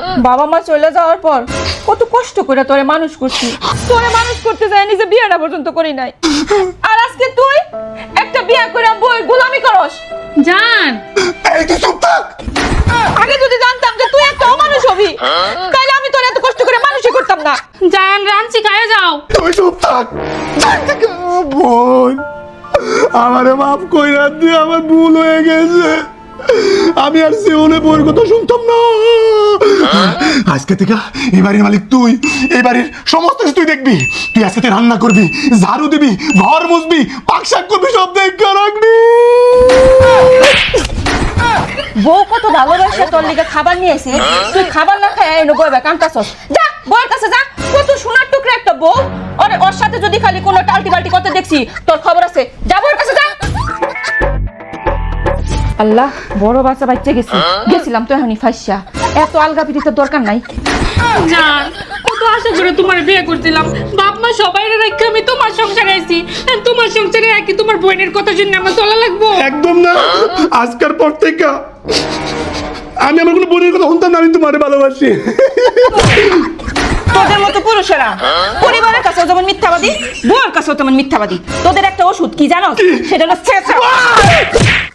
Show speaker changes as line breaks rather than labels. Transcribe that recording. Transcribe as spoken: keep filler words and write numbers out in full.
বাবা মা চলে যাওয়ার পর কত কষ্ট করে তোরে মানুষ করছি, তোরে মানুষ করতে যায় নিজে বিয়েটা পর্যন্ত করি নাই, আর আজকে তুই একটা বিয়ে করে বই গোলামি করস।
জান
এই তুই চুপ থাক।
আগে যদি জানতাম যে তুই একটা অমানুষ হবি তাহলে আমি তোর এত কষ্ট করে মানুষই করতাম না।
জান রাঞ্চি খায় যাও।
তুই চুপ থাক। বোন, আমারে মাফ কইরা দিয়ে, আমার ভুল হয়ে গেছে। আমি আর জীবনে বউর কথা শুনতাম না। আজকে থেকে এই বাড়ির মালিক তুই, এই বাড়ির সমস্ত কিছু তুই দেখবি। তুই আজকে থেকে রান্না করবি, ঝাড়ু দিবি, ঘর মুছবি, পাক শাক করবি, সব দেখে রাখবি।
বউ কত ভালোবাসে তোর লিগে খাবার নিয়ে এসে তুই খাবার না খায় এনে বইবে কামতাছস। যা বউর কাছে যা, কত সোনার টুকরা একটা বউ, আর ওর সাথে যদি খালি কোনো টালটি বালটি করতে দেখছি তোর খবর আছে। যা বউর কাছে যা। আল্লাহ, বড় বাচ্চা বাচ্চা গেছি, গেছিলাম তো এখনই ফাঁসা। এত আলগা পিটিতে দরকার নাই।
জান কত আশা করে তোমার বিয়ে করছিলাম, বাপ মা সবাই রেখে আমি তোমার সংসারে আইছি, আর তোমার সংসারে একই তোমার বোনের কথা শুনে আমার চলা লাগবো।
একদম না। আজকের পর থেকে আমি আমার কোনো বোনের কথা শুনতাম না। আমি তোমারে ভালোবাসি।
তোদের মতো পুরুষেরা পরিবারের কাছেও যেমন মিথ্যাবাদী, বউয়ের কাছেও তেমন মিথ্যাবাদী। তোদের একটা ওষুধ কি জানো? সেটা হলো ছেঁচা।